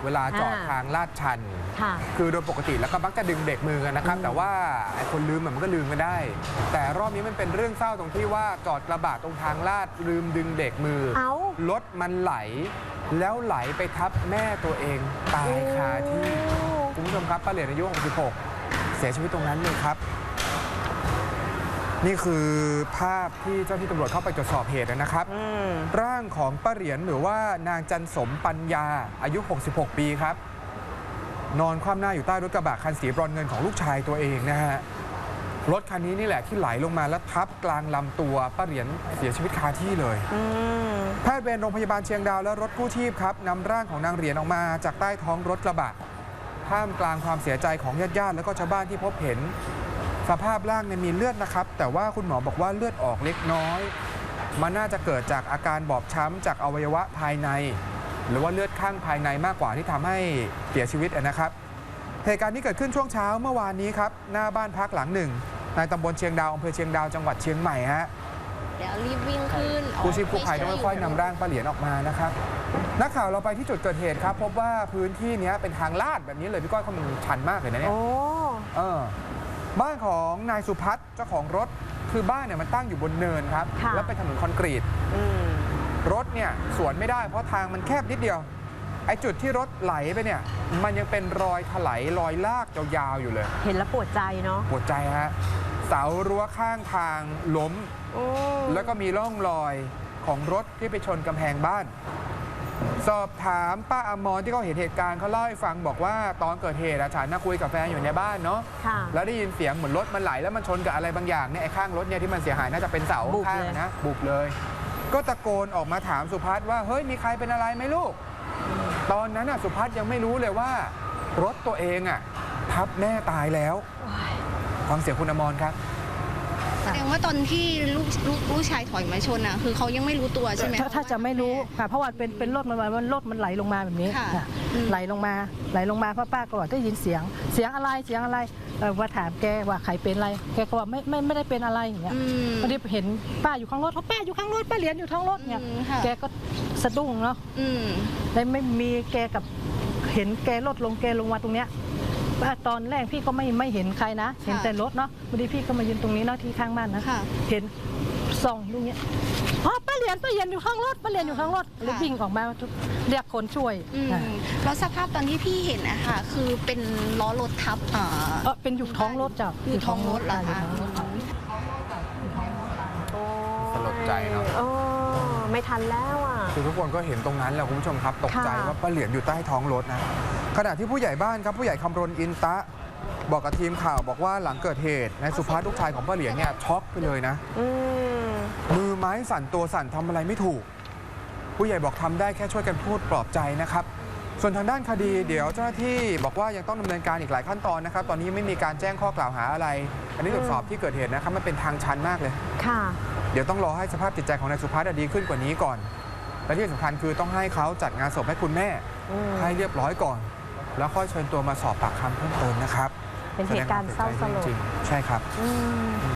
เวลาจอดทางลาดชันคือโดยปกติแล้วก็มักจะดึงเบรกมือกันนะครับแต่ว่าไอ้คนลืมมันก็ลืมกันได้แต่รอบนี้มันเป็นเรื่องเศร้าตรงที่ว่าจอดกระบะตรงทางลาดลืมดึงเบรกมือรถมันไหลแล้วไหลไปทับแม่ตัวเองตายคาที่คุณผู้ชมครับป้าเหรียญอายุ66เสียชีวิตตรงนั้นเลยครับนี่คือภาพที่เจ้าที่ตำรวจเข้าไปตรวจสอบเหตุนะครับร่างของป้าเหรียญหรือว่านางจันสมปัญญาอายุ66ปีครับนอนคว่ำหน้าอยู่ใต้รถกระบะคันสีบรอนซ์เงินของลูกชายตัวเองนะฮะรถคันนี้นี่แหละที่ไหลลงมาแล้วทับกลางลำตัวป้าเหรียญเสียชีวิตคาที่เลยแพทย์เวรโรงพยาบาลเชียงดาวและรถกู้ชีพครับนำร่างของนางเหรียญออกมาจากใต้ท้องรถกระบะท่ามกลางความเสียใจของญาติๆและก็ชาวบ้านที่พบเห็นสภาพร่างมีเลือดนะครับแต่ว่าคุณหมอบอกว่าเลือดออกเล็กน้อยมันน่าจะเกิดจากอาการบอบช้ำจากอวัยวะภายในหรือว่าเลือดข้างภายในมากกว่าที่ทำให้เสียชีวิตนะครับเหตุการณ์นี้เกิดขึ้นช่วงเช้าเมื่อวานนี้ครับหน้าบ้านพักหลังหนึ่งในตำบลเชียงดาวอำเภอเชียงดาวจังหวัดเชียงใหม่ฮะเดี๋ยวรีบวิ่งขึ้นกู้ชีพกู้ภัยต้องค่อยๆนำร่างป้าเหรียญออกมานะครับนักข่าวเราไปที่จุดเกิดเหตุครับพบว่าพื้นที่นี้เป็นทางลาดแบบนี้เลยพี่ก้อยเขามันชันมากเลยนะเนี่ยบ้านของนายสุพัฒน์เจ้าของรถคือบ้านเนี่ยมันตั้งอยู่บนเนินครับแล้วเป็นถนนคอนกรีตรถเนี่ยสวนไม่ได้เพราะทางมันแคบนิดเดียวไอ้จุดที่รถไหลไปเนี่ยมันยังเป็นรอยถลายรอยลากยาวๆอยู่เลยเห็นแล้วปวดใจเนาะปวดใจฮะเสารั้วข้างทางล้มแล้วก็มีร่องรอยของรถที่ไปชนกำแพงบ้านสอบถามป้าอมรที่เขาเห็นเหตุการณ์เขาเล่าให้ฟังบอกว่าตอนเกิดเหตุฉันน่ะคุยกับแฟนอยู่ในบ้านเนาะแล้วได้ยินเสียงเหมือนรถมันไหลแล้วมันชนกับอะไรบางอย่างเนี่ยไอ้ข้างรถเนี่ยที่มันเสียหายน่าจะเป็นเสาข้างนะบุบเลยก็ตะโกนออกมาถามสุพัฒน์ว่าเฮ้ยมีใครเป็นอะไรไหมลูกตอนนั้นสุพัฒน์ยังไม่รู้เลยว่ารถตัวเองทับแม่ตายแล้วฟังเสียงคุณอมรครับแสดงว่าตอนที่ลูกชายถอยมาชนคือเขายังไม่รู้ตัวใช่ไหมถ้าจะไม่รู้ค่ะเพราะว่าเป็นรถมันไหลลงมาแบบนี้ไหลลงมาเพราะป้าก็ได้ยินเสียงอะไรว่าถามแกว่าใครเป็นอะไรแกก็ว่าไม่ได้เป็นอะไรอย่างเงี้ยพอดีเห็นป้าอยู่ข้างรถเพราะป้าอยู่ข้างรถป้าเหรียญอยู่ข้างรถเนี่ยแกก็สะดุ้งเนาะเลยไม่มีแกกับเห็นแกลงมาตรงเนี้ยตอนแรกพี่ก็ไม่เห็นใครนะเห็นแต่รถเนาะพอดีพี่ก็มายืนตรงนี้เนาะที่ข้างบ้านนะเห็นส่องตรงนี้ป้าเหรียญอยู่ข้างรถเลยวิ่งออกมาเรียกคนช่วยแล้วสภาพตอนที่พี่เห็นนะคะคือเป็นล้อรถทับเป็นอยู่ท้องรถจ้ะอยู่ท้องรถเหรอคะสลดใจเนาะไม่ทันแล้วคือทุกคนก็เห็นตรงนั้นแหละคุณผู้ชมครับตกใจว่าป้าเหรียญอยู่ใต้ท้องรถนะขณะที่ผู้ใหญ่บ้านครับผู้ใหญ่คำรณอินตะบอกกับทีมข่าวบอกว่าหลังเกิดเหตุนายสุภัสลูกชายของป้าเหรียญเนี่ยช็อกไปเลยนะมือไม้สั่นตัวสั่นทำอะไรไม่ถูกผู้ใหญ่บอกทำได้แค่ช่วยกันพูดปลอบใจนะครับส่วนทางด้านคดีเดี๋ยวเจ้าหน้าที่บอกว่ายังต้องดำเนินการอีกหลายขั้นตอนนะครับตอนนี้ไม่มีการแจ้งข้อกล่าวหาอะไรอันนี้ตรวจสอบที่เกิดเหตุนะครับมันเป็นทางชันมากเลยเดี๋ยวต้องรอให้สภาพจิตใจของนายสุภัสดีขึ้นกว่านี้ก่อนและที่สำคัญคือต้องให้เขาจัดงานศพให้คุณแม่ให้เรียบร้อยก่อนแล้วค่อยเชิญตัวมาสอบปากคำเพิ่มเติมนะครับเป็นเหตุการณ์เศร้าสลดใช่ครับ